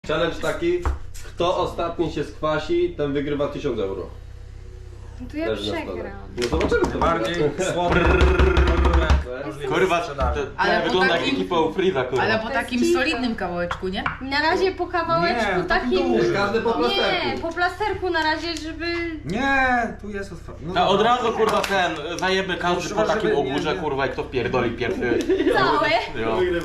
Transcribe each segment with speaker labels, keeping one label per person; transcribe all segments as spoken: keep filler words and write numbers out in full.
Speaker 1: Challenge taki, kto ostatni się skwasi, ten wygrywa tysiąc euro.
Speaker 2: No to ja
Speaker 1: Leży na stole.
Speaker 2: przegram.
Speaker 1: No zobaczymy to.
Speaker 3: Bardziej słodkie.
Speaker 4: Kurwa, to, to
Speaker 5: Ale
Speaker 4: wygląda
Speaker 5: po
Speaker 4: jak
Speaker 5: takim-
Speaker 4: ekipa u Freeza, kurwa.
Speaker 5: Ale po
Speaker 2: To
Speaker 5: takim
Speaker 2: jest
Speaker 5: solidnym kawałeczku, nie?
Speaker 2: Na razie po kawałeczku
Speaker 3: Nie, taki
Speaker 2: takim...
Speaker 3: duży.
Speaker 1: Każdy po
Speaker 2: Nie,
Speaker 1: plasterku.
Speaker 2: po plasterku na razie, żeby...
Speaker 3: Nie, tu jest otwarte. No
Speaker 4: A od
Speaker 3: dobra.
Speaker 4: razu kurwa ten, zajemy każdy po
Speaker 3: Trzeba,
Speaker 4: takim
Speaker 3: żeby-
Speaker 4: ogórze,
Speaker 3: nie, nie.
Speaker 4: kurwa, i kto pierdoli pierwszy.
Speaker 2: Całe.
Speaker 4: Jo.
Speaker 1: Wygrywa.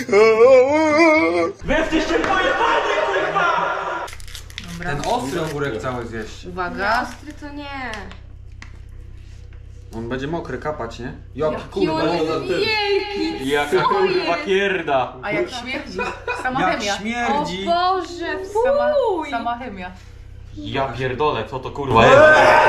Speaker 4: Wy jesteście pojebani, kurwa!
Speaker 5: Dobra.
Speaker 3: Ten ostry ogórek cały zjeść.
Speaker 2: Nie,
Speaker 5: Uwaga.
Speaker 2: ostry to nie.
Speaker 3: On będzie mokry, kapać, nie? Jaki
Speaker 2: Jaki
Speaker 3: kurwa.
Speaker 2: on
Speaker 1: no,
Speaker 2: jest
Speaker 1: no, ty-
Speaker 2: wielki!
Speaker 4: Jaka
Speaker 2: Co
Speaker 4: kurwa
Speaker 2: jest?
Speaker 4: pierda.
Speaker 5: A jak śmierdzi? Sama
Speaker 3: Jak
Speaker 5: chemia.
Speaker 2: O
Speaker 3: śmierdzi.
Speaker 2: Boże,
Speaker 5: Sama,
Speaker 2: fuj!
Speaker 5: sama chemia.
Speaker 4: Ja pierdolę, co to kurwa jest?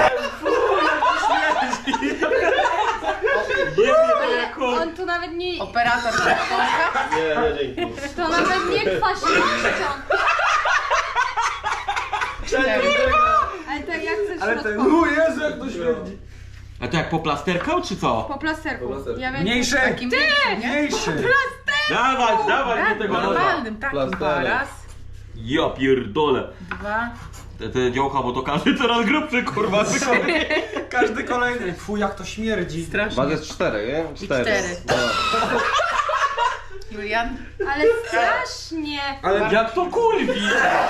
Speaker 2: Ale on tu nawet nie...
Speaker 5: Operator Polska.
Speaker 1: Nie, nie, dzięki.
Speaker 2: To nawet nie kwaśnością. Ale tak jak chcesz
Speaker 3: Ale ten,
Speaker 2: środkowo.
Speaker 3: o Jezu, jak to śmierdzi.
Speaker 4: A to jak po plasterkał, czy co?
Speaker 2: Po plasterku.
Speaker 1: Po plasterku.
Speaker 2: Ja wiem,
Speaker 3: Mniejszy.
Speaker 5: Takim większym, nie?
Speaker 3: Mniejszy.
Speaker 4: Dawaj, dawaj
Speaker 5: Tak,
Speaker 4: do tego noża.
Speaker 5: normalnym, takim
Speaker 1: Plasterek.
Speaker 5: dwa. Raz,
Speaker 4: Ja pierdolę.
Speaker 5: dwa.
Speaker 4: Te, te działka, bo to każdy coraz grubszy, kurwa, wykonuje.
Speaker 3: Każdy kolejny. Fuj, jak to śmierdzi.
Speaker 5: Strasznie.
Speaker 1: Was jest cztery, nie? Cztery.
Speaker 5: cztery.
Speaker 1: No.
Speaker 5: Julian.
Speaker 2: Ale strasznie.
Speaker 3: Ale
Speaker 4: Jak to kurwi?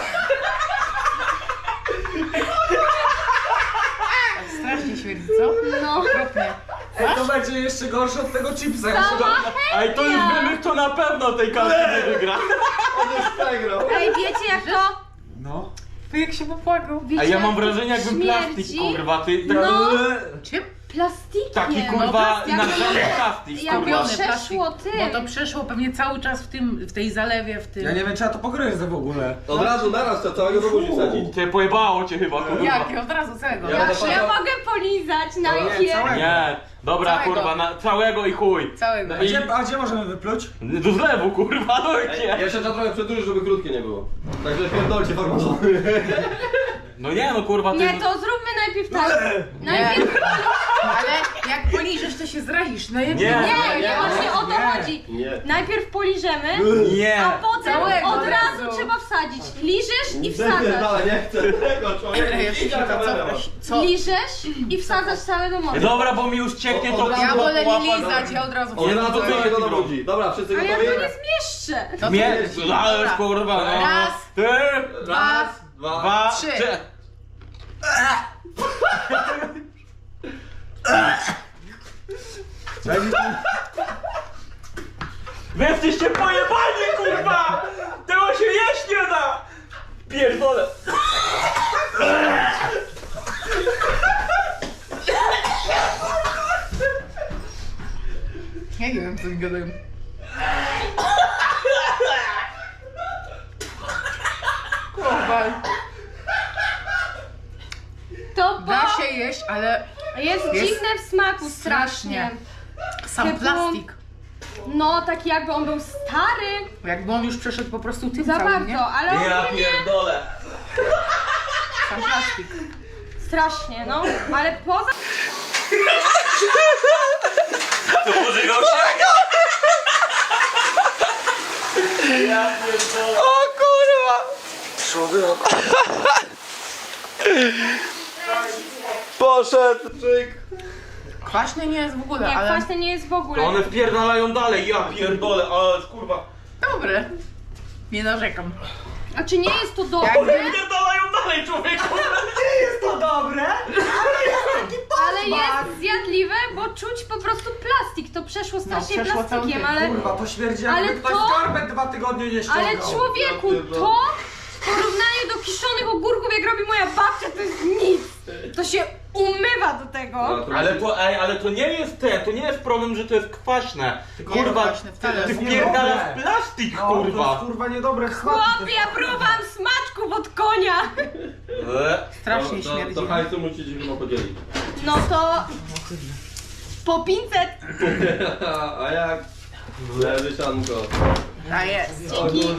Speaker 5: Strasznie śmierdzi, co?
Speaker 2: No.
Speaker 5: Okropnie.
Speaker 3: to będzie jeszcze gorsze od tego chipsa.
Speaker 4: A i to już wiemy, kto na pewno tej karty nie wygra.
Speaker 1: On już przegrał.
Speaker 2: Ej, wiecie jak to?
Speaker 3: No.
Speaker 5: To jak się popłakał.
Speaker 2: Wiecie,
Speaker 4: A ja mam
Speaker 2: jak to
Speaker 4: wrażenie, jakbym
Speaker 2: śmierdzi?
Speaker 4: plastik, kurwa, ty tak,
Speaker 2: No.
Speaker 5: Czym?
Speaker 2: Plastikiem.
Speaker 4: taki
Speaker 2: No,
Speaker 4: kurwa
Speaker 2: plastik.
Speaker 4: nagrany plastik,
Speaker 2: Jak
Speaker 4: kurwa.
Speaker 2: on przeszło
Speaker 5: Bo
Speaker 2: tym.
Speaker 5: to przeszło pewnie cały czas w tym, w tej zalewie, w tym.
Speaker 3: Ja nie wiem, czy ja to pogryzę w ogóle.
Speaker 1: Od razu naraz to całego do buzi wsadzić.
Speaker 4: Cię pojebało cię chyba, kurwa.
Speaker 5: Jak? Od razu całego.
Speaker 1: Ja
Speaker 2: Ja,
Speaker 1: będę
Speaker 2: ja
Speaker 1: patrzał-
Speaker 2: mogę polizać
Speaker 3: Nie,
Speaker 2: najpierw.
Speaker 3: całego.
Speaker 4: Nie, dobra
Speaker 5: Całego.
Speaker 4: kurwa, na, całego i chuj.
Speaker 5: Całego.
Speaker 3: A gdzie, a gdzie możemy wypluć?
Speaker 4: Do zlewu, kurwa, do
Speaker 1: Ej,
Speaker 4: gdzie?
Speaker 1: jeszcze trzeba trochę przedłużyć, żeby krótkie nie było. Także pierdolcie farmazony.
Speaker 4: No nie no kurwa, ty...
Speaker 2: Nie, to zróbmy najpierw tak. Najpierw...
Speaker 5: Ale jak poliżesz, to się zrazisz. No jak
Speaker 4: Nie.
Speaker 2: Nie, nie, właśnie o to
Speaker 3: nie.
Speaker 2: chodzi.
Speaker 1: Nie.
Speaker 2: Najpierw poliżemy,
Speaker 4: Nie.
Speaker 2: a potem
Speaker 5: Całego
Speaker 2: od
Speaker 5: od
Speaker 2: razu
Speaker 5: razu.
Speaker 2: trzeba wsadzić. Liżesz i wsadzasz.
Speaker 1: Wypierdala, nie chcę tego człowieka.
Speaker 5: Ja się
Speaker 1: Idź na
Speaker 5: szuka,
Speaker 1: kamerę
Speaker 5: co?
Speaker 1: masz.
Speaker 5: Co?
Speaker 2: Liżesz i wsadzasz całe do morza.
Speaker 4: Dobra, bo mi już cieknie to
Speaker 1: Od razu
Speaker 5: Ja
Speaker 4: kurwa
Speaker 5: wolę nie
Speaker 4: połapać.
Speaker 5: lizać, ja od razu
Speaker 1: Od razu
Speaker 5: wchodzę.
Speaker 1: wyjdzie to do budzi. Dobra, wszyscy
Speaker 2: Ale ja
Speaker 1: gotowi?
Speaker 2: to nie zmieszczę.
Speaker 5: No to
Speaker 4: Nie,
Speaker 5: leci.
Speaker 4: ale
Speaker 5: Dobra.
Speaker 4: kurwa, no.
Speaker 5: Raz,
Speaker 4: Ty,
Speaker 5: dwa,
Speaker 1: Dwa.
Speaker 4: dwa,
Speaker 5: trzy.
Speaker 4: trzy.
Speaker 3: Daj mi ten...
Speaker 4: Wy jesteście pojebani, kurwa! Tego się jeść nie da! Pierdolę!
Speaker 5: Ja nie wiem, co mi gadają. Kurwa.
Speaker 2: To
Speaker 5: Da
Speaker 2: bo
Speaker 5: się jeść, ale
Speaker 2: jest
Speaker 5: Jest
Speaker 2: dziwne w smaku strasznie.
Speaker 5: strasznie. sam
Speaker 2: Typu-
Speaker 5: plastik.
Speaker 2: No, taki jakby on był stary.
Speaker 5: Jakby on już przeszedł po prostu tym
Speaker 2: Za
Speaker 5: całym, nie?
Speaker 2: bardzo, ale
Speaker 4: Ja
Speaker 2: ogólnie
Speaker 4: pierdolę!
Speaker 5: Sam plastik.
Speaker 2: strasznie, no. Ale poza...
Speaker 4: To pożygał się? Ja pierdolę!
Speaker 3: O kurwa! Człowiek.
Speaker 1: Poszedł, czyk.
Speaker 5: Kwaśny nie jest w ogóle,
Speaker 2: Nie,
Speaker 5: ale
Speaker 2: kwaśny nie jest w ogóle.
Speaker 4: To one wpierdalają dalej, ja pierdolę, ale kurwa...
Speaker 5: dobre. Nie narzekam.
Speaker 2: A czy nie jest to dobre?
Speaker 4: Wpierdalają dalej, człowieku!
Speaker 2: Ale jest zjadliwe, bo czuć po prostu plastik. To przeszło strasznie
Speaker 5: No, przeszło cały
Speaker 2: plastikiem,
Speaker 5: tym.
Speaker 2: ale...
Speaker 3: Kurwa, to śmierdzi
Speaker 2: Ale
Speaker 3: jakby ktoś
Speaker 2: to-
Speaker 3: skarbet dwa tygodnie nie ściągał.
Speaker 2: Ale człowieku, to w porównaniu do kiszonych ogórków, jak robi moja babcia, to jest nic. To się umywa do tego.
Speaker 4: Ale to, ej, ale to nie jest te, to nie jest problem, że to jest kwaśne.
Speaker 3: Tylko
Speaker 4: Kurwa,
Speaker 5: kwaśne wcale.
Speaker 4: ty
Speaker 3: To
Speaker 4: wpierdalasz
Speaker 3: niedobre.
Speaker 4: plastik,
Speaker 3: No, to jest
Speaker 4: kurwa.
Speaker 3: kurwa niedobre smaczne.
Speaker 2: Chłopie, ja próbowałam smaczków od konia.
Speaker 4: E?
Speaker 5: Strasznie
Speaker 1: to, to,
Speaker 5: śmierdzi.
Speaker 1: to hajsu musicie chyba podzielić.
Speaker 2: No to... Po pięćset.
Speaker 1: A jak? Leży sianko.
Speaker 5: A jest.
Speaker 2: Dzięki.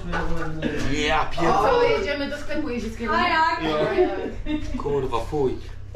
Speaker 4: Ja pierdolę.
Speaker 5: Co, jedziemy do sklepu jeździeckiego?
Speaker 2: A jak?
Speaker 4: Kurwa, fuj.